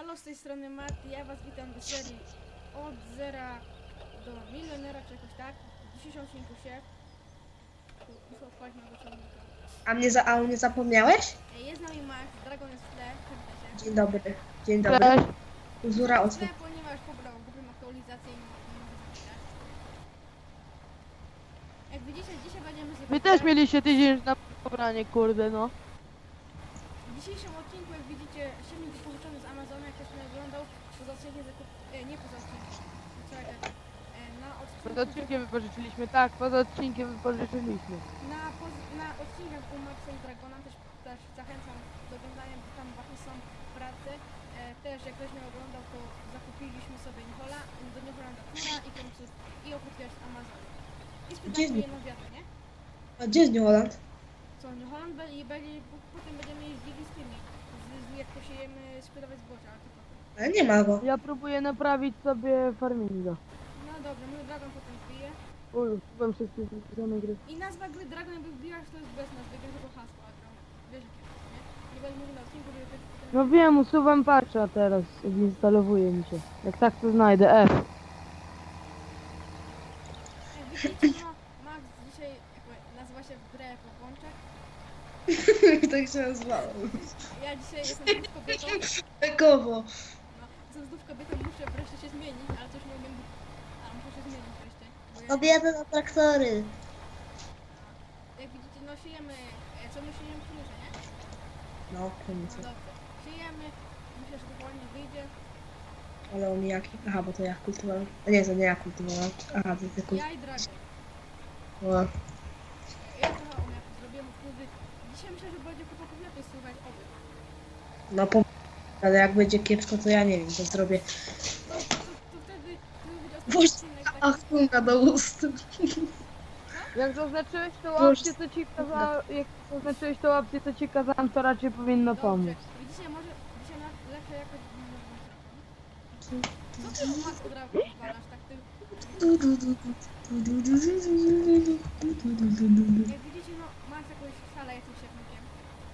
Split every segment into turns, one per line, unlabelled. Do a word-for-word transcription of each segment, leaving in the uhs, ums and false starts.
Elo, z tej strony Mati, ja was witam w serii od zera do milionera, czy jakoś tak. W dzisiejszym odcinku się muszę odpalić mojego ciągnika.
A mnie, za, a mnie zapomniałeś?
Jest z nami Max, Dragon jest w tle, przywitaj się.
Dzień dobry. Dzień dobry.
Cześć.
Uzura
W
osób.
tle, ponieważ pobrał głupią aktualizację i nie może zapisać. Jak widzicie, dzisiaj będziemy sobie...
Wy też mieliście tydzień na pobranie, kurde no.
W dzisiejszym odcinku, jak widzicie, silnik pożyczony z Amazona, jak ktoś nie oglądał, poza odcinkiem zakup... E, nie poza odcinkiem. Czekaj. E, na odcinku...
Poza odcinkiem wypożyczyliśmy, tak, poza odcinkiem wypożyczyliśmy.
Na, poz- na odcinkach u Maxa i Dragona też, też zachęcam do oglądania, bo tam właśnie są prace. E, też jak ktoś nie oglądał, to zakupiliśmy sobie Nihola, do Niholanda Tura i końców i oprócz z Amazonu. I
Gdzie
spytaliśmy
jest
jedną wiatę, nie?
A gdzie jest New Holland?
Co, Niholand be- i będzie, potem będziemy jeździli z tymi, z, z, jak posiejemy sprzedawać zboże, ale to potem.
Ale nie ma go.
Ja próbuję naprawić sobie farminga.
No dobra, mój Dragon potem wbije.
Uj, byłem wszystkie same gry.
I nazwa gry Dragon jakby wbiłaś, to jest bez nazwy, wiem tylko hasło, ale Dragon. Wiesz jakie to, nie? Nie będę mówił na odcinku, żeby potem...
No wiem, usuwam patcha teraz, instalowuje mi się. Jak tak to znajdę, F.
Jak widzicie, no, Max dzisiaj jakby nazywa się w grę jako Bączek.
Tak się nazywało.
Ja dzisiaj jestem znów kobietą.
Bekowo.
No, jestem znów kobietą, muszę wreszcie się zmienić, ale coś nie umiem. A muszę się zmienić wreszcie. Bo ja,
Kobiety na traktory.
jak widzicie, no siejemy. e, Co my siejemy pszeniczę, nie?
No,
No
pszenicy.
dobrze. Siejemy. Myślę, że to ładnie wyjdzie.
Ale omijaki. Aha, bo to ja kultywowałem. A nie, to nie ja kultywowałem. Aha, to ty
Ja i Dragon.
kultywowałem.
Ja trochę omiaków zrobiłem wtedy. Dzisiaj myślę, że będzie chłopaków lepiej słuchać oby.
No, po... ale jak będzie kiepsko, to ja nie wiem, to zrobię.
To, to, to wtedy to będzie ostatni
Boże,
odcinek
ach,
taki.
funga do ust.
Jak zaznaczyłeś tą opcję, co ci kazałem, jak zaznaczyłeś tą opcję, co ci kazałem, to raczej powinno
Dobrze.
pomóc.
Widzicie, może dzisiaj na lepsze jakość Co ty Max od razu odpalasz tak ty? Jak widzicie, no Max jakąś salę jest siewnikiem.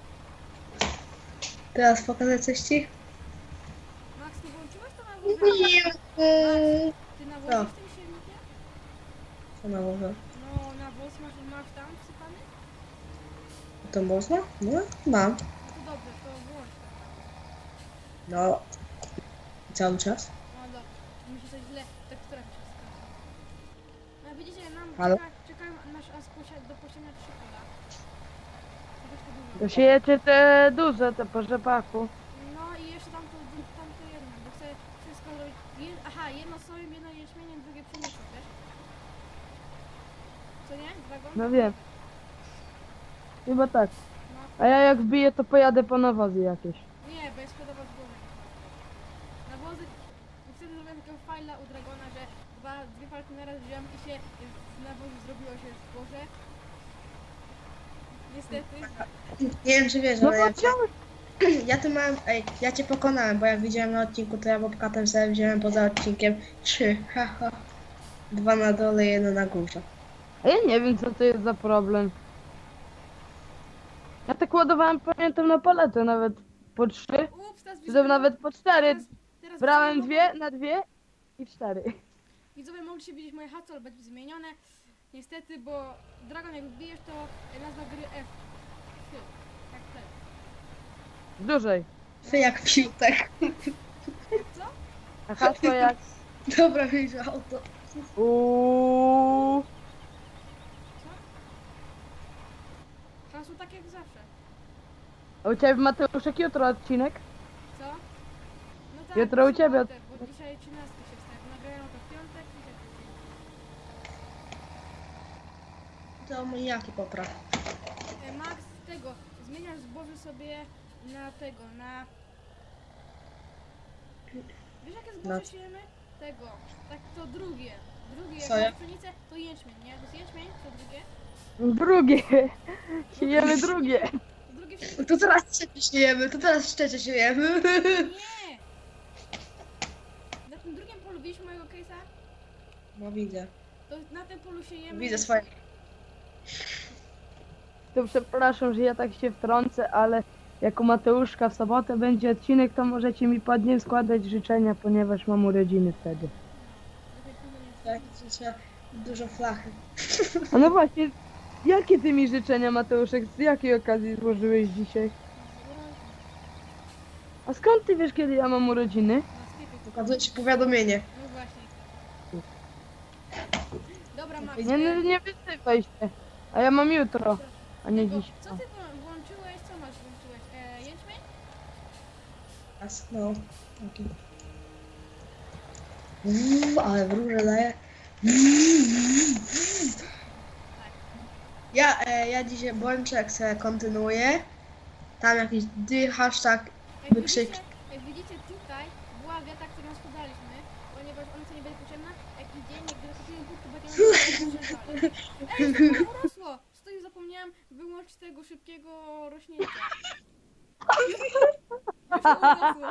Teraz pokażę coś ci?
Max, ty włączyłeś to na wózek?
Nie.
Ty nawozisz tym siewnikiem?
Co na może?
No, nawóz masz, masz tam wsypany?
To można? No, mam.
No to dobrze, to włącz ten nawóz.
No. Cały czas.
No dobrze, mi się coś źle, tak która mi się wskazała. No widzicie, nam
Halo?
czeka, czekają nasz as posia- do posiania trzy pola. Chociaż to dużo.
To siejecie te duże, te po rzepaku.
No i jeszcze tam to, tam to jedno, bo chcę wszystko zrobić. Je, aha, jedno sojem, jedno jęczmieniem, drugie pszenicą, wiesz? Co nie? Dragon?
No wiem. Chyba tak.
No.
A ja jak wbiję, to pojadę po nawozy jakieś.
Nie, bo jest sprzedawał zboże. Nawozy, wtedy zrobiłem takiego fajla u Dragona, że dwa, dwie falki naraz wziąłem i się z nawozu zrobiło się zboże. Niestety.
Nie wiem, czy wiesz,
No
ale
to
ja cię, ja tu mam, ej, ja cię pokonałem, bo jak widziałem na odcinku, to ja bobkatem sobie wziąłem poza odcinkiem trzy, haha. Dwa na dole, jedno na górze.
A ja nie wiem, co to jest za problem. Ja tak ładowałem, pamiętam, na paletę nawet po trzy,
Ups, teraz
czy tam nawet po cztery.
teraz, teraz
Brałem
widzowie
dwie na dwie i cztery.
mogą- Widzowie mogliście widzieć moje hasło, ale będzie zmienione. Niestety, bo Dragon jak wbijesz, to nazwa gry F. F. Jak F.
Dłużej.
Ty jak piłtek.
Co?
A hasło jak...
Dobra, wyjrzał to.
Uuuu.
Co? Hasło tak jak zawsze.
A u ciebie, Mateuszek, jutro odcinek?
Co? No tak,
Jutro u
w
ciebie.
sobotę, bo dzisiaj trzynastka się wstaje. Nagrają to w piątek i tak dalej.
To omijaki popraw.
E, Max, tego, zmieniasz zboże sobie na tego, na... Wiesz jakie zboże
Na-
siejemy? Tego, tak to drugie. Drugie, jak
Co ja?
masz pszenicę, to jęczmień, nie? To jest jęczmień, to drugie.
Drugie. Siejemy drugie.
To drugie wszystko...
To teraz trzecie siejemy, to teraz trzecie siejemy.
Nie! Na tym drugim polu widzisz mojego case'a?
No widzę.
To na tym polu siejemy...
Widzę swoje.
To przepraszam, że ja tak się wtrącę, ale jako Mateuszka w sobotę będzie odcinek, to możecie mi pod nim składać życzenia, ponieważ mam urodziny wtedy.
Tak, życzę dużo flachy.
A no właśnie, jakie ty mi życzenia, Mateuszek, z jakiej okazji złożyłeś dzisiaj? A skąd ty wiesz, kiedy ja mam urodziny?
Na sklepie.
Pokazuję ci powiadomienie.
No właśnie. Dobra, Max.
Nie, nie, nie wysypaj się. A ja mam jutro, a nie
Tylko,
dziś.
co ty wło- włączyłeś? Co masz włączyłeś? E, jęczmień?
Raz, no. Taki. Uuu, ale wróże daje. Ja, e, ja dzisiaj Bączek se kontynuuję. Tam jakiś dy, hashtag,
Jak
wykrzyk.
widzicie, jak widzicie tutaj była geta, którą sprzedaliśmy, ponieważ ona co nie będzie potrzebna. Jak idzie, gdy kupiłem budkę, bo nie Ej, to urosło! Stoi, zapomniałam wyłączyć tego szybkiego rośnięcia. Już urosło.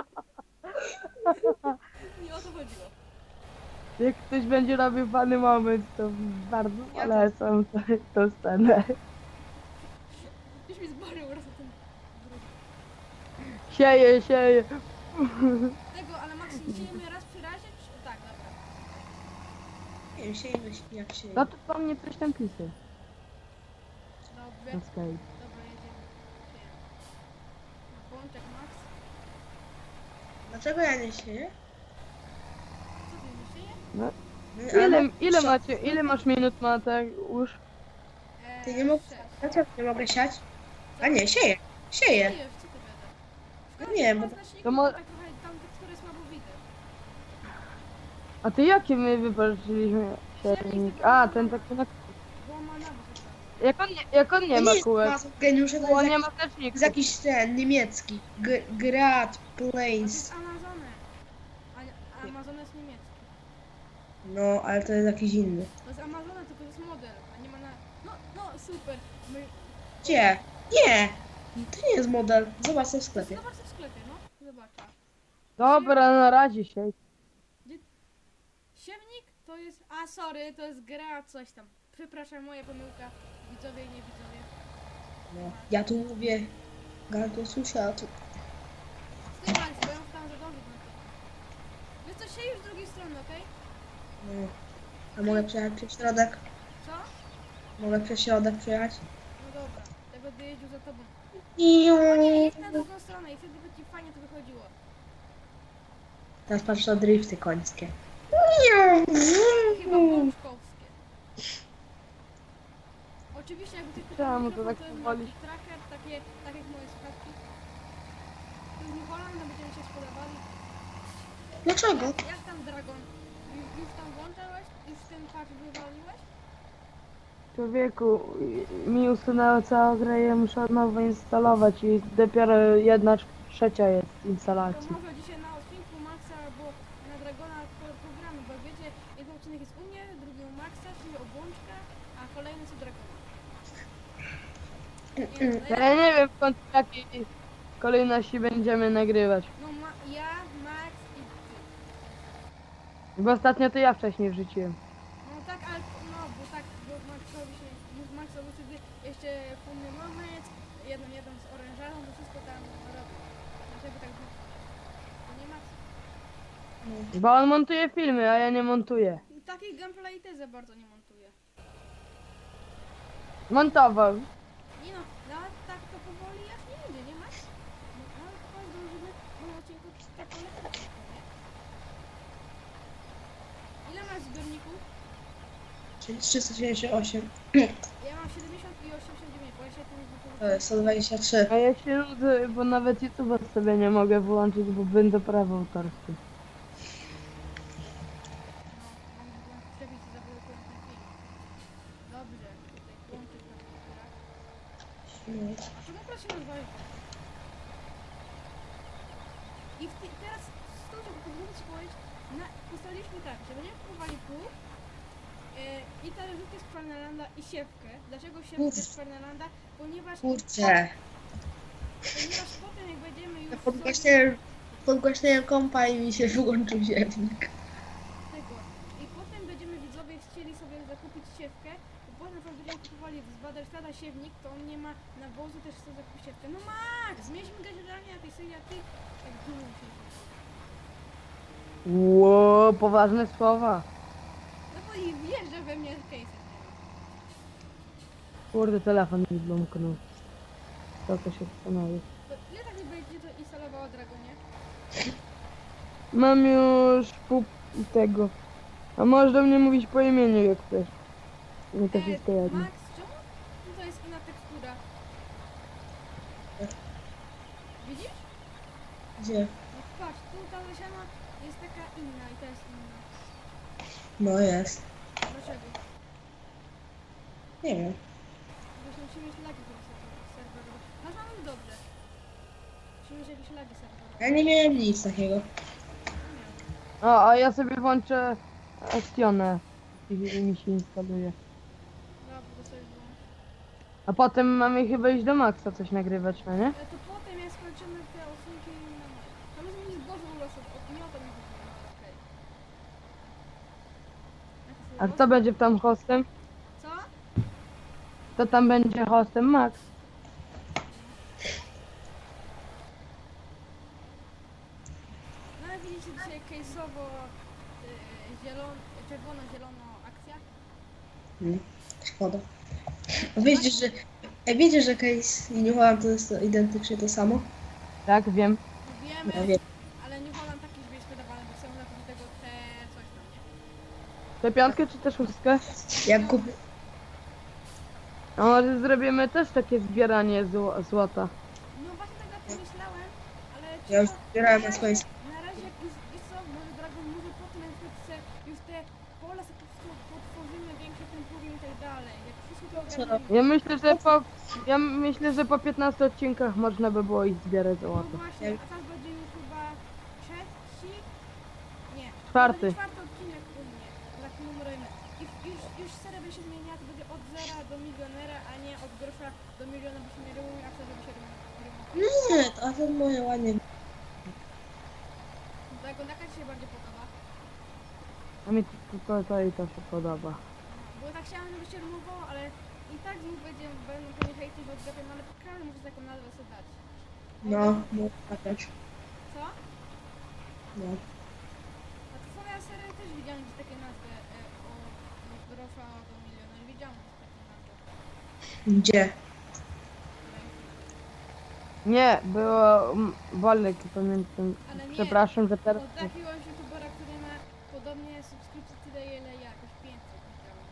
Nie o to chodziło.
Jak ktoś będzie robił fany moment, to bardzo
Ja
polecam to, to scenę.
Już mi z bary urosł ten drugi.
Sieje, sieje.
Tego, ale Max, siejemy raz przy razie? Czy... Tak, dobra.
Nie wiem, siejmy się jak się.
No to po mnie coś tam pisy.
Dobrze.
Na Skype.
Dobra, jedziemy. Siejemy. Bączek, Max.
Dlaczego ja nie sieję?
Co ty nie sieje?
No.
No,
Ile,
ale-
ile macie, ile masz minut, Mateusz?
Eee,
Ty nie mogę.
sześć.
Dlaczego nie mogę siać? A nie, sieję. Sieję.
Sieje, co ty wiedzę?
No nie, bo-
To mo-
tak trochę tam tekstury słabo widzę.
A ty jakie my wypatrzyliśmy silnik? A, ten taki na...
Bo ma nawet.
Jak on nie, jak on nie
To
ma
jest
kółek?
masą geniusza,
Bo
to
on
jest,
nie
jakiś,
ma znaczników.
jest jakiś ten niemiecki. G Grad
To
Plains.
jest Amazony. A, a Amazon jest niemiecki.
No, ale to jest jakiś inny.
To jest Amazona, tylko to jest model, a nie ma na... No, no, super. My...
Gdzie? Nie! To nie jest model. Zobacz to w sklepie.
Zobacz to w sklepie, no. Zobacz.
Dobra, na razie się.
Siewnik to jest... A, sorry, to jest gra coś tam. Przepraszam, moja pomyłka. Widzowie i nie widzowie.
No. Ja tu mówię. Gardło susza, a tu...
Stój, Max, bo ja tam zadążyć na to. Wiesz co, sieję już z drugiej strony, okej?
No. A mogę przejechać przez środek?
Co?
Mogę przez środek przejechać?
No dobra, ja będę jeździł za tobą.
Iu.
O nie, jedź na drugą stronę i wtedy by ci fajnie to wychodziło.
Teraz patrz na drifty końskie. Iu.
Chyba bączkowskie. Oczywiście jakby ktoś pytał o
Czemu to
mikrofon,
tak
to jest
powoli?
Multi Tracker, takie, tak jak moje słuchawki. To jest New Holland, będziemy się spodobali.
Dlaczego?
Jak tam Dragon? Już, już tam włączałeś? Już ten patch wywaliłeś?
Człowieku, mi usunęło całą grę i ja muszę od nowa instalować i dopiero jedna trzecia jest
To
instalacji.
może dzisiaj na odcinku Maxa albo na Dragona po- pogramy, bo wiecie, jeden odcinek jest u mnie, drugi u Maxa, czyli o Bączka, a kolejny jest u Dragona. Nie, no,
Ja nie wiem w końcu jakiej kolejności będziemy nagrywać.
no ma, ja, Max i ty.
Bo ostatnio to ja wcześniej wrzuciłem.
No tak, ale no, bo tak, bo Maxowi się, Maxowi wtedy jeszcze funny moment, jeden, jeden z orężarą, to wszystko tam robi. Dlaczego tak było? To nie Max.
Bo on montuje filmy, a ja nie montuję.
Takich gameplay też za bardzo nie montuje.
Montował.
Nie no, nawet tak to powoli aż nie idzie, nie Max? No, ale chyba zdążymy w tym odcinku tak polecieć, nie? Ile masz zbiorników?
Czyli trzysta siedemdziesiąt osiem.
Ja mam siedemdziesiąt i osiemdziesiąt dziewięć, bo ja się tym
To jest sto dwadzieścia trzy.
A ja się nudzę, bo nawet YouTube'a sobie nie mogę włączyć, bo będę prawo autorskie.
No, mam byłem w przebicie, zablokuję ten film. Dobrze, tutaj włączyć na komputerach. A czemu proszę rozwalić? I w ty, teraz z tą, żeby pozwolić ci powiedzieć, na, ustaliliśmy tak, że będziemy kupowali pług yy, i talerzówkę z Fernelanda i siewkę. Dlaczego siewkę
Kurczę.
z Fernelanda? Ponieważ,
Kurczę.
ponieważ potem jak będziemy już
Ja
sobie
podgłaśniałem, podgłaśniałem kompa i mi się wyłączył ziemnik.
tego i potem będziemy widzowie chcieli sobie zakupić siewkę, bo potem jak będziemy kupowali z Baderstada siewnik, to on nie ma nawozu, też chce zakupić siewkę. No Max, zmieńmy gaździeranie na tej serii, a ty tak dumą się.
Ło, poważne słowa.
No bo i wjeżdża we mnie case'em.
Kurde, telefon mi blumknął. To to się zastanowi.
To ile tak mi będzie to instalowało Dragonie?
Mam już pół tego. A możesz do mnie mówić po imieniu, jak chcesz. Mi to wszystko jedno.
Max, czemu tutaj jest inna tekstura? Widzisz?
Gdzie?
No patrz, tu ta lesiana jest taka inna i ta jest inna.
No jest.
Dlaczego?
Nie wiem.
Właśnie musimy mieć lagi tego serwerowe. Masz mamy dobrze. Musimy mieć jakieś lagi serwerowe.
Ja nie miałem nic takiego.
Nie miałem.
O, a ja sobie włączę Actionę. I mi się instaluje.
Dobra, to sobie włącz.
A potem mamy chyba iść do Maxa coś nagrywać, no nie?
Ale to potem jak skończymy te odcinki na moje. Mamy zmienić Boże ulosów, o nie o to mi chodziło, ale okej. Jak to
A
sobie
kto będzie tam hostem?
Co?
Kto tam będzie hostem? Max.
No ale widzicie dzisiaj case'owo yy, zielon, czerwono-zielono akcja.
Hmm. Szkoda. A wiecie, że... A wiecie, że Case i New Holland to jest to identycznie to samo?
Tak, wiem.
Wiemy,
Ja wiem.
ale nie Holland taki już jest wydawany, bo chcemy napisać tego te coś tam, nie?
Tę piątkę czy też szóstkę?
Jak kupię...
A może zrobimy też takie zbieranie zło złota.
No właśnie tak na tym myślałem, ale...
Ja już
trzeba-
zbierałem
na
na
razie-
swoje...
Na razie jak już, wiesz co, może Dragon może potem jak chce już te pola sobie po prostu potworzymy, większe temporium i tak dalej. Jak wszystko to
Co
ogarniemy.
Ja myślę, że po... Ja myślę, że po piętnastu odcinkach można by było iść zbierać
No
złoto.
właśnie, a teraz będzie już chyba trzeci? Nie. to
Czwarty.
będzie czwarty odcinek u mnie. Tak numerem. I już, już seria będzie się zmieniała, to będzie od zera do milionera, a nie od grosza do miliona, bo się nie rymują, a wtedy by się rymowało.
Nie, to, a to moje ładnie...
Dragon, jaka ci się bardziej podoba?
A mi to, to, to i to się podoba.
Bo tak chciałam, żeby się rymowało, ale i tak znów będzie, będą pewnie hejty, że odgapiam, no ale każdy może taką nazwę sobie dać.
No, no, tak też.
Co?
No.
A to twoja seria też widziałam gdzieś takie nazwy e, o od grosza do miliona. Widziałam gdzieś takie nazwy.
Gdzie?
Nie, było mm, Wolek, pamiętam.
Ale nie.
Przepraszam, że teraz...
Od jakiegoś youtubera, który ma podobnie subskrypcji tyle ile ja, jakoś pięćset widziałem.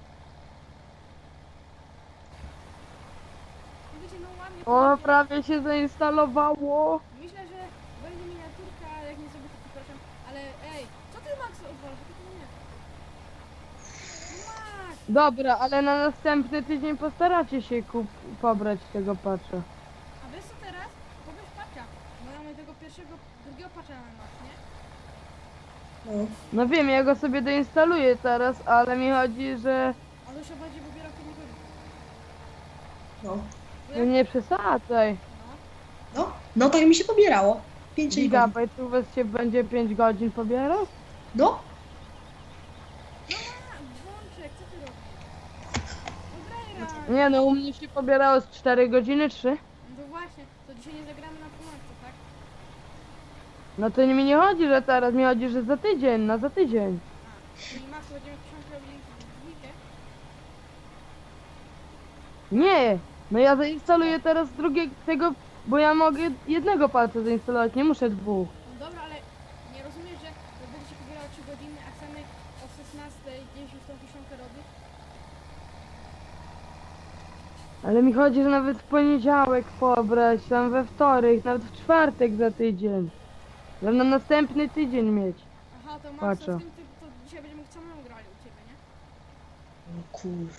No wiecie, no ładnie
O,
to
prawie się zainstalowało.
myślę, że będzie miniaturka, ale jak nie zrobię to przepraszam, ale ej, co ty Max odwalasz? To tylko nie. No Max!
Dobra, ale na następny tydzień postaracie się kup pobrać tego patcha.
A wiesz co teraz? Pobierz patcha. Bo mamy tego pierwszego, drugiego patcha na Max, nie?
No.
No wiem, ja go sobie doinstaluję teraz, ale mi chodzi, że...
On już się bardziej pobierał kiedy nie chodzi.
No.
Bo
No
jak-
nie przesadzaj.
No.
No, no tak mi się pobierało. pięć godzin.
Gigabajt u was się będzie pięć godzin pobierał?
No,
No ma, Włączek, co ty robisz? No graj raz.
Nie no, u mnie się pobierało z cztery godziny, trzy.
No to właśnie, to dzisiaj nie zagramy na północy, tak?
No to mi nie chodzi, że teraz, mi chodzi, że za tydzień, na za tydzień.
A, czyli Max będziemy książkę robili w dwójkę?
Nie, no ja zainstaluję teraz drugiego, tego, bo ja mogę jednego palca zainstalować, nie muszę dwóch.
No dobra, ale nie rozumiesz, że to będzie się pobierało trzy godziny, a chcemy o szesnastej gdzieś już tą kiszonkę robić?
Ale mi chodzi, że nawet w poniedziałek pobrać, tam we wtorek, nawet w czwartek za tydzień. Żeby na następny tydzień mieć.
Aha, to Max,
Patrzę.
to z tym ty, to dzisiaj będziemy samemu grali u ciebie, nie?
o kur...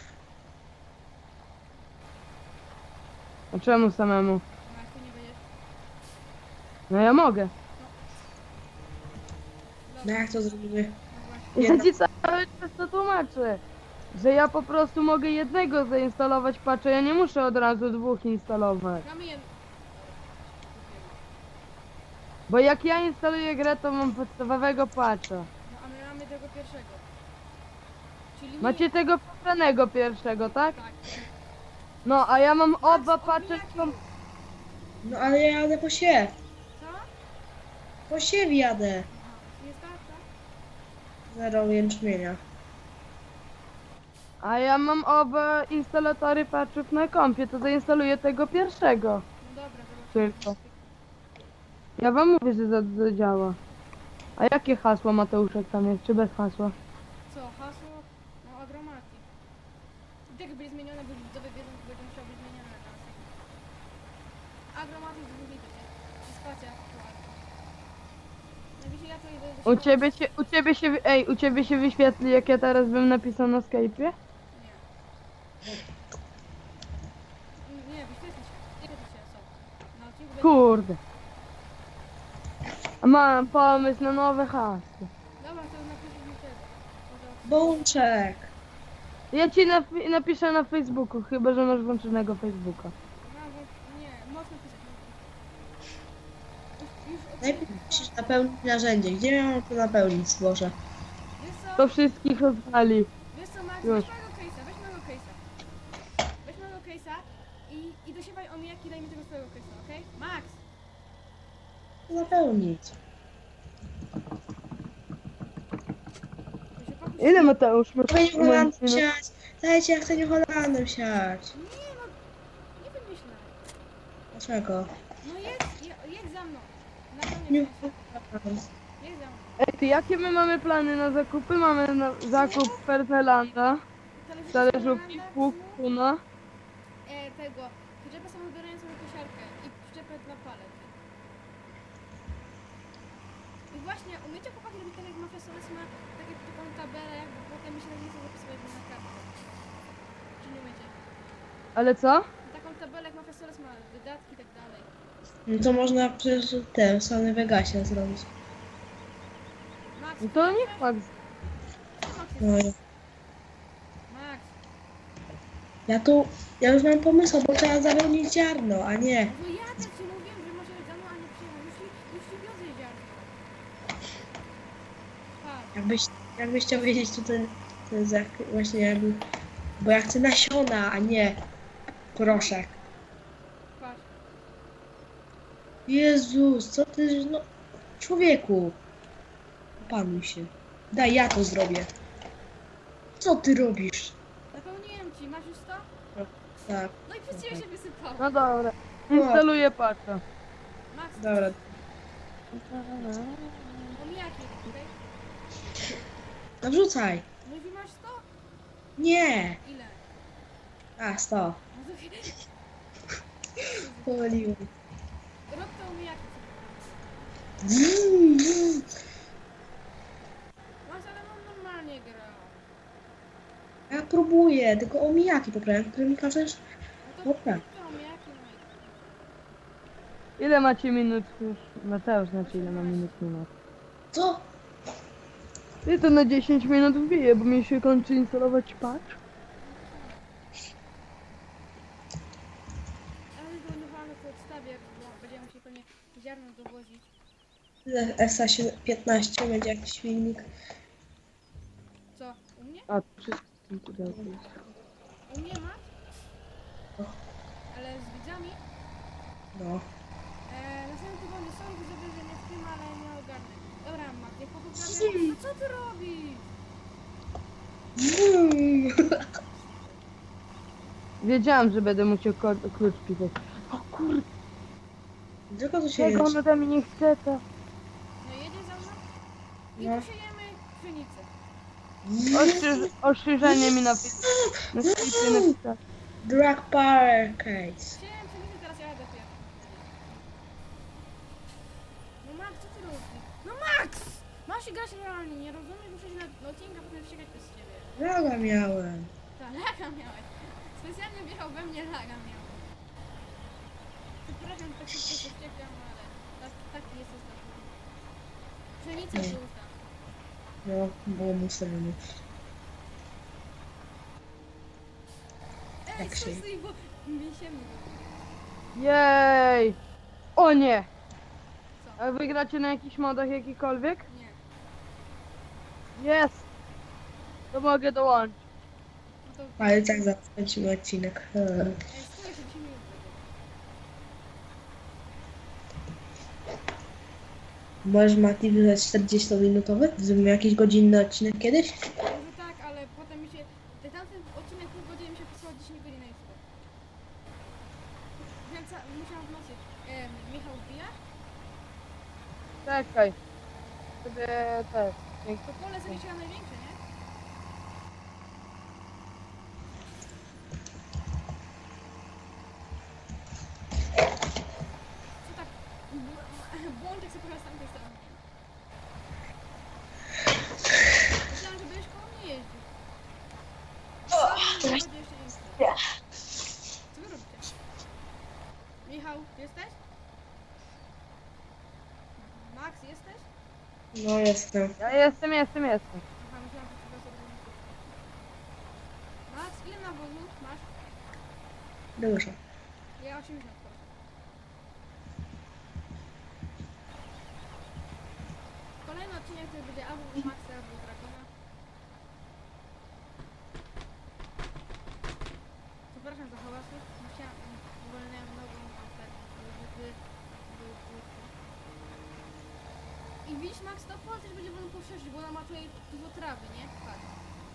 A czemu samemu?
No jak ty nie będziesz.
No ja mogę.
No
Dobra,
jak to zrobimy?
no właśnie.
Ja ci cały czas to tłumaczę. Że ja po prostu mogę jednego zainstalować patcha, ja nie muszę od razu dwóch instalować.
Gramy jedno.
Bo jak ja instaluję grę, to mam podstawowego patcha.
No a my mamy tego pierwszego. Czyli my...
Macie tego pobranego pierwszego, tak?
Tak.
No, a ja mam oba
Max,
paczek
omijaki
są...
rób.
No ale ja jadę po siew.
Co?
Po siew jadę.
Aha, jest tak, tak?
Zero jęczmienia.
A ja mam oba instalatory patchów na kompie, to zainstaluję tego pierwszego.
No dobra, zobaczymy.
Tylko. Ja wam mówię, że za- zadziała. A jakie hasło Mateuszek tam jest, czy bez hasła?
Co, hasło? No Agromatic. I tak będzie zmienione, bo widzowie wiedzą, że będzie musiało być zmienione na następny. Agromatic z dwóch liter, nie? I spacja aktualna. No wiecie, ja to idę do
U
szkoły.
ciebie się, u ciebie się, wy- ej, u ciebie się wyświetli, jak ja teraz bym napisał na Skype'ie?
Nie. Nie, wyświetli się. Wyświetli się, są. Na odcinku będzie...
Kurde. A mam pomysł na nowe hasło.
Dobra, to napisz mi tego. Może-
Bączek.
Ja ci napi- napiszę na Facebooku, chyba że masz włączonego Facebooka.
No, bo nie, mocno pisać. Już, już od...
Najpierw musisz napełnić narzędzie. Gdzie ja mam to napełnić, Boże?
Wiesz co?
To wszystkich rozwali.
Wiesz co, Max,
Już.
weź mojego case'a, weź mojego case'a. Weź mojego case'a i, i dosiewaj omijaki, daj mi tego swojego case'a, okej? Max!
Napełnić.
To się pakuj-
Ile Mateusz masz?
Chcę nie Holandem
minut?
siać. Dajcie, ja chcę nie Holandem siać.
Nie no, nie wymyślaj.
Dlaczego?
No jedź, je- jedź za mną. Na pewno
Nie
jedź za mną.
Ej, ty jakie my mamy plany na zakupy? Mamy na zakup Fernelanda, talerzówki, pług, kuna.
E, tego, przyczepę samodorającą na kosiarkę i przyczepę dla palet. I właśnie, umiecie chłopaki robić tak jak Mafia Soles ma tak jak taką tabelę, jakby potem mi się tak nie chce zapisywać na kartę. Czy nie umiecie?
Ale co?
Taką tabelę jak Mafia Soles ma, wydatki i tak dalej.
No to można przecież te w Sony Vegasie zrobić.
Max,
No to niech Max.
Max,
No,
jest...
ja-
Max,
ja tu, ja już mam pomysł, bo trzeba zapełnić ziarno, a nie.
no ja tak ci mówiłem, że może za mną, a nie przyjechał. Już ci, już ci wiozę ziarno. Patrz,
Jakbyś, jakbyś chciał wiedzieć, to ten, ten za, właśnie jakby, bo ja chcę nasiona, a nie proszek.
patrz.
Jezus, co ty, no, człowieku. Opanuj się. Daj, ja to zrobię. Co ty robisz?
Zapełniłem ci, masz już to?
Tak,
No i przez ciebie się wysypało.
No dobra. Instaluję patcha.
Max,
dobra.
omijaki, okej?
No wrzucaj.
Mówi masz sto?
Nie.
Ile?
A, sto.
No to
Pomyliłem.
rób to omijaki. Max, ale on normalnie gra.
Ja próbuję, tylko omijaki poprawiam, które mi każesz.
No to
Dobra.
rób to omijaki, no i...
Ile macie minut już? Mateusz znaczy ile ma minut minut.
Co?
Ty to na dziesięć minut wbije, bo mi się kończy instalować patch.
Ale zrównowane to odstawię, bo będziemy musieli pewnie ziarno dowozić.
S A piętnaście będzie jakiś filmik.
Co? U mnie?
A, wszystko w tym pudełku jest.
U mnie masz?
O.
Ale z widzami?
No.
Eee, następnym tygodniu są widzowie, że nie w tym, ale nie ogarnę. Dobra, Mat, niech poprawia. No co ty robisz?
Wiedziałam, że będę musiał ko- klucz pisać. O kurde,
Tylko to się
czego
jest.
on ode mnie nie chce, to...
No jedzie za mną i
No.
posiejemy pszenicę.
Ostrzyż- ostrzyżenie mi na na Skype'ie napisać.
Drag Power Case.
Siejemy pszenicę, teraz ja jadę pierwszy. No Max, co ty robisz? No Max! Masz się grać realnie, nie rozumiesz? Muszę się na na odcinka potem ścigać bez ciebie.
Laga miałem.
Tak, laga miałeś. Specjalnie wjechał we mnie, laga miał. Przepraszam, tak szybko się wściekam, ale tak, taki jest ostatni. Pszenicę
Nie.
się ustaw.
No, było mu ustawione.
Ej,
Tak
stój,
się-
stój, bo mi się mydło.
Jej! O nie!
Co?
A wy gracie na jakichś modach jakikolwiek?
Nie.
Jest! To mogę dołączyć.
No to...
Ale tak zakończymy odcinek. Eee.
Ej, stój, jeszcze dziesięć minut będzie.
Możesz Mati wydać czterdziestominutowy? Zrobimy jakiś godzinny odcinek kiedyś?
Może tak, ale potem mi się... Ten tamten odcinek pół godziny mi się pisał dziesięć godzin na YouTube. Więc a, musiałam w nocy. E, Michał wbija?
Czekaj. Sobie też.
To pole sobie siła największe, nie? Co tak... b- Błączek sobie pojechał z tamtej strony. Myślałam, że będziesz koło mnie jeździł. Co? Będzie jeszcze nie. Co wy robicie? Michał, jesteś? Max, jesteś?
No jestem.
Ja jestem, jestem, jestem.
Aha, myślałam, że ty sobie nie Max, ile nawozu masz?
Dużo.
Ja osiemdziesiąt proszę. Kolejny odcinek to będzie albo u Maxa, albo u Dragona. Przepraszam za hałasy. Musiałam, uwolniłem nogą ten, żeby był krótki. I widzisz Max, to pole też będzie wolno poszerzyć, bo ona ma tutaj dużo trawy, nie? Patrz.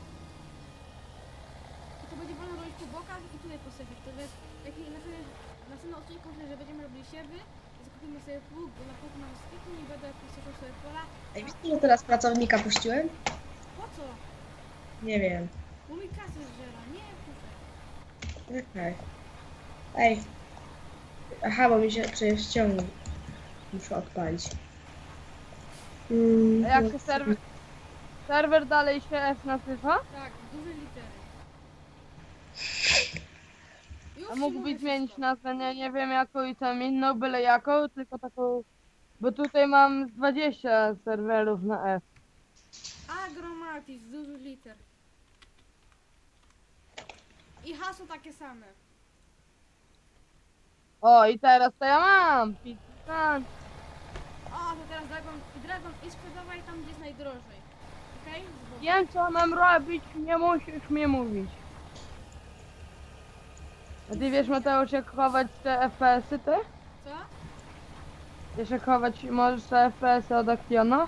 I to będzie wolno robić po bokach i tutaj posadzić. To jest taki na następnym odcinku, myślę, że będziemy robili siewy. Zakupimy sobie pług, bo na pług mam styku i będę poszerzał sobie pola.
Ej, wiecie, że teraz pracownika puściłem?
Po co?
Nie wiem.
Bo mi kasę zżera, nie? Kurczę.
Okej. Ej. Aha, bo mi się przecież ściągnął. Muszę odpalić. Mm,
A jak się serwer... Serwer dalej się F nazywa?
Tak, duże litery. Już
A
ci
mógłbyś
mówię
zmienić
wszystko.
nazwę, nie, nie wiem jaką i tam inną, byle jaką, tylko taką... Bo tutaj mam z dwadzieścia serwerów na F.
Agromatis, duży liter. I hasło takie same.
O, i teraz to ja mam! Pizza.
O, to teraz Dragon i Dragon i sprzedawaj tam, gdzie jest najdrożej. Okej? Okay?
Wiem co mam robić, nie musisz mi mówić. A ty wiesz Mateusz jak chować te F P S-y ty?
Co?
Wiesz jak chować możesz te F P S-y od Actiona?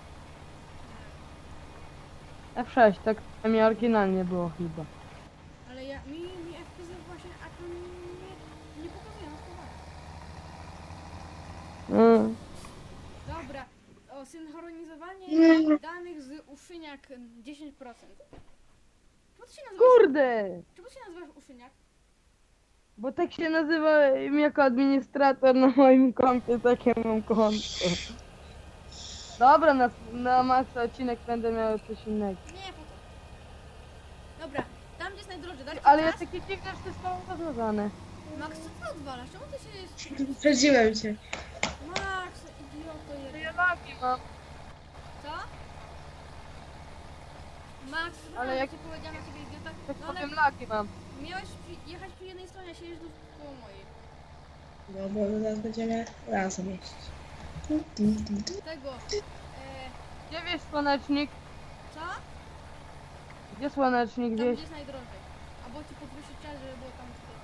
F sześć, tak mi oryginalnie było chyba.
Ale ja, mi, mi F P S właśnie, a to nie, nie pokazuje na schowaniu.
Mm.
Dobra, o synchronizowanie
Mm.
danych z uszyniak dziesięć procent. Czemu ty się nazywasz,
Kurde!
czemu ty się nazywasz uszyniak?
Bo tak się nazywałem jako administrator na moim kompie, takie mam konto. Dobra, na, na max odcinek będę miał coś innego.
Nie, po co? Dobra, tam gdzie jest najdrożej, dać ci
Ale ja
czas?
takie dziwne, że to jest mało rozwiązane.
Max, co ty odwalasz? Czemu ty się jest...
Wyprzedziłem cię.
Max, idioto
To
jeden.
ja lagi mam.
Co? Max,
Ale
ale
jak-
jak ci powiedziałam na ciebie idiota,
Tak
no ale
powiem lagi mam.
miałeś przy, jechać przy jednej stronie, a siedzisz tu koło mojej.
No bo zaraz będziemy razem jeździć. Tu, tu, tu, tu.
Tego, e,
Gdzie wiesz słonecznik?
co?
Gdzie słonecznik
Tam
gdzieś?
gdzie jest najdrożej. Albo ci podwyższyć czas, żeby było tam tutaj.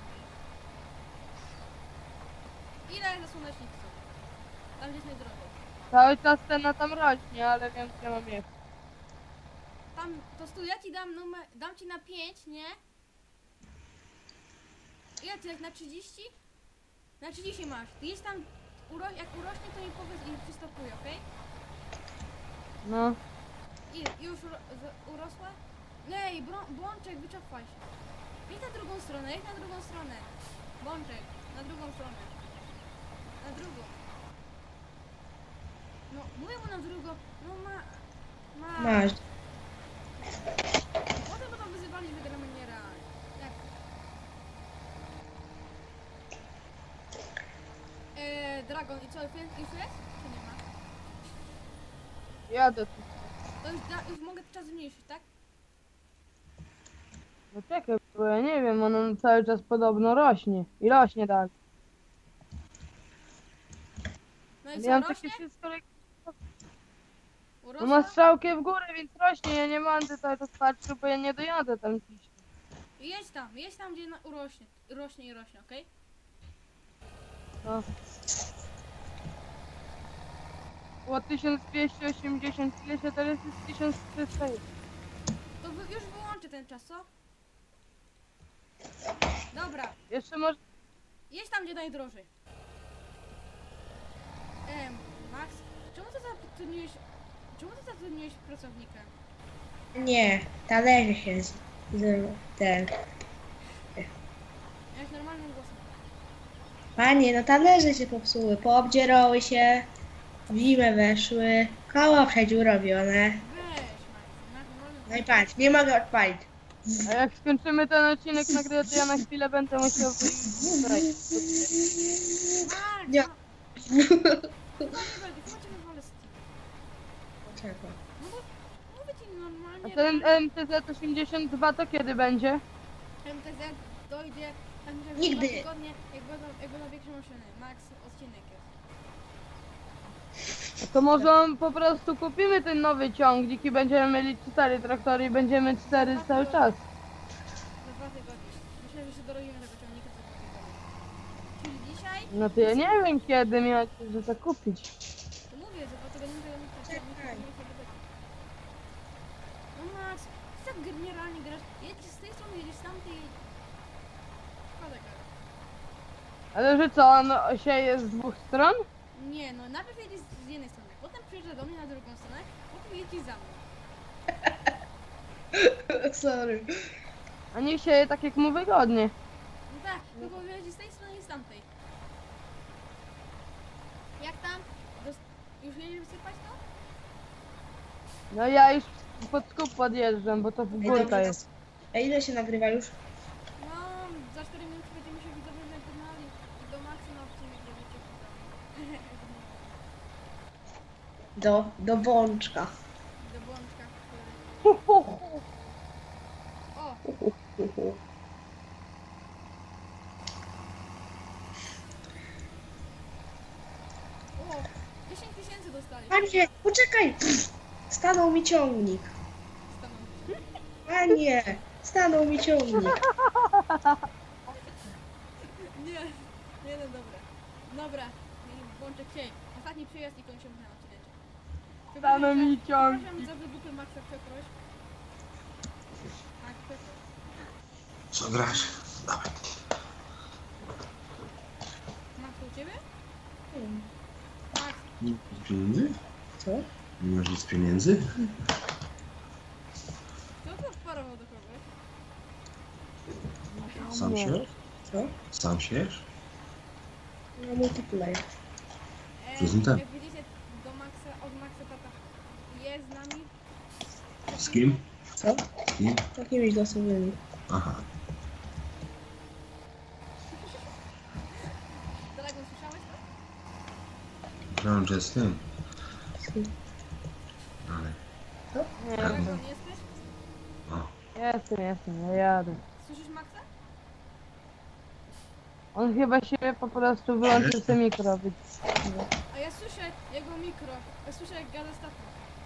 Ile za słonecznik chcą? Tam gdzie jest najdrożej.
Cały czas cena tam rośnie, ale wiem gdzie mam jechać.
Tam, to stój, ja ci dam numer, dam ci na pięć, nie? Ile ty, jak na trzydzieści? Na trzydzieści masz. Ty jest tam, uro, jak urośnie, to mi powiedz i przystopuj, okej?
No.
I już uro, z- urosła? Ej, brą- błączek, wycofaj się. Idź na drugą stronę, idź na drugą stronę. Błączek, na drugą stronę. Na drugą. No, mówię mu na drugą. No ma... Ma...
Masz.
Potem będą wyzywali, że gramy nierealnie. Jak? Eee, Dragon, i co, już jest? Już jest? Czy nie ma?
Jadę tu.
To już, da, już mogę czas zmniejszyć, tak?
No czekaj, bo ja nie wiem, ono cały czas podobno rośnie. I rośnie tak.
No i
Ja
co,
mam
rośnie?
takie wszystko, jak- no
Urosła?
ma strzałkę w górę, więc rośnie. Ja nie będę cały czas patrzył, bo ja nie dojadę tam gdzieś.
Jedź tam, jedź tam, gdzie na, urośnie, rośnie i rośnie, okej?
No. Było tysiąc dwieście osiemdziesiąt, ile się teraz jest tysiąc trzysta.
To wy, już wyłączę ten czas, co? Dobra,
Jeszcze może...
jedź tam, gdzie najdrożej. Em, Max, czemu ty zatrudniłeś, czemu ty zatrudniłeś pracownika?
Nie, talerze się z, z ten.
Jak normalnym głosem.
Panie, no talerze się popsuły, poobdzierały się, w zimę weszły, koło przedziurowione.
Weź, Max, na normalnym
No i patrz, nie mogę odpalić.
A jak skończymy ten odcinek nagrywać, to ja na chwilę będę musiał wyjść.
Max,
Nie.
no, chyba nie będę, chyba cię wywalę z tym.
Dlaczego?
No bo mówię ci
A
normalnie.
ten M T Z osiemdziesiąt dwa to kiedy będzie?
M T Z dojdzie tak myślę, że
Nigdy.
dwa tygodnie, jak będą, jak będą większe maszyny. Max, odcinek jest.
To może po prostu kupimy ten nowy ciągnik i będziemy mieli cztery traktory i będziemy cztery cały czas.
Za dwa tygodnie. Myślę, że się dorobimy tego ciągnika za dwa tygodnie. Czyli dzisiaj,
No to ja nie wiem kiedy miałeś że to kupić.
to mówię, że dwa tygodnie tego nie ciągnika
Czekaj.
nie sobie będzie. No Max, ty tak generalnie grasz. Jedziesz z tej strony, jedziesz z tamtej. Szkoda gadać.
Ale że co, on sieje z dwóch stron?
Nie, no najpierw jedziesz z jednej strony, potem przyjeżdża do mnie na drugą stronę, potem jedziesz za mną.
Sorry.
A niech sieje tak jak mu wygodnie.
No tak, tylko jedziesz z tej strony i z tamtej. Jak tam? Dos- już jedziesz wysypać to?
No ja już pod skup podjeżdżam, bo to w
Ej,
górka
dobra,
jest.
A ile się nagrywa już?
No, za cztery minuty będziemy się widzowie żegnali i do Maxy na odcinek będziecie widzowie.
Do, do bączka.
Do błączka, który...
Hu, hu, hu.
O! O! dziesięć tysięcy dostali.
Panie, poczekaj! Stanął mi ciągnik.
Stanął.
Panie, stanął mi ciągnik.
Nie, nie no dobra. Dobra, błączek siej. Ostatni przyjazd i kończymy ten odcinek.
Stanął mi ciągnik.
Przepraszam za wydupy Maxa, przeproś. Tak, przeproś.
Co grasz? Dawaj.
Max, to u ciebie? Max,
Nie masz pieniędzy?
Co?
Nie masz nic pieniędzy?
kto to wparował do kogoś?
Sam
Nie.
siesz?
Co?
Sam siesz?
No multiplayer.
E,
To jest ten.
jak widzicie, do Maxa, od Maxa tata jest z nami.
Z kim?
Co?
Z kim?
Takimiś losowymi.
Aha.
Dragon, słyszałeś to?
Myślałem, że z tym. Ale...
Nie,
Dragon, jesteś?
O.
jestem, jestem, ja jadę.
Słyszysz Maxa?
On chyba się po prostu wyłączył sobie mikro. Być.
A ja słyszę jego mikro. Ja słyszę jak gada z tatą.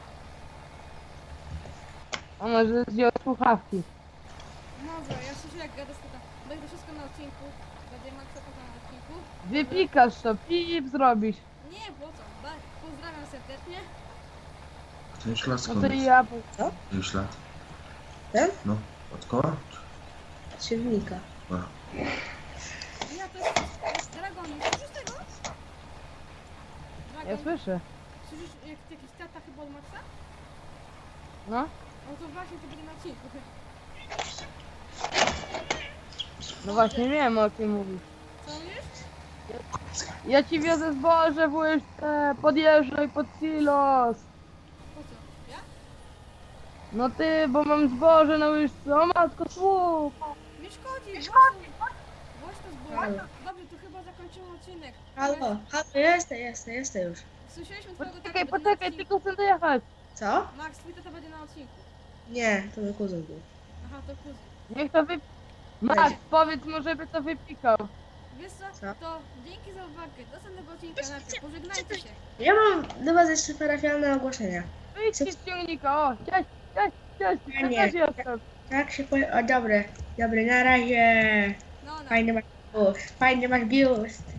A może zdjął słuchawki.
Może, ja słyszę jak gada z tatą. Będzie wszystko na odcinku. Będzie Maxa tata na odcinku.
Wypikasz to, pip zrobisz.
Nie, po co? Ba- Pozdrawiam serdecznie.
Ten ślad
No
skąd
to
jest?
i ja...
Ten ślad?
Ten?
No. Od koła?
Od siewnika.
A.
Ja to jest... Dragon, słyszysz tego? Dragon,
Ja słyszę.
słyszysz jak jakiś tata chyba od Maxa?
No.
No to właśnie to będzie na odcinku.
No właśnie wiem o kim mówisz.
Co mówisz?
Ja ci wiozę zboże w łyżce, podjeżdżaj pod silos.
Po co? Ja?
No ty, bo mam zboże na łyżce, o matko, słuch.
Nie szkodzi, nie szkodzi. Włoś to zbój.
Halo.
Dobrze, to chyba zakończymy odcinek.
Halo, halo, jestem, jestem, jestem już.
Słyszeliśmy twojego tatę
Poczekaj,
będzie na
poczekaj,
odcinku.
tylko chcę dojechać.
Co?
Max, twój tata będzie na odcinku.
Nie, to mój kuzyn był.
Aha, to kuzyn.
Niech to wy... Max, powiedz mu, żeby to wypikał.
Wiesz co?
Co?
To dzięki za uwagę. Do następnego odcinka najpierw. Pożegnajcie się.
Ja mam do was jeszcze parafialne ogłoszenia.
Wyjdźcie z ciągnika, o, cześć, cześć, cześć, ja
Nie.
też jestem.
Tak się powie... O, dobre. Dobry, na razie.
No, no.
Fajny masz biust. Fajny masz biust.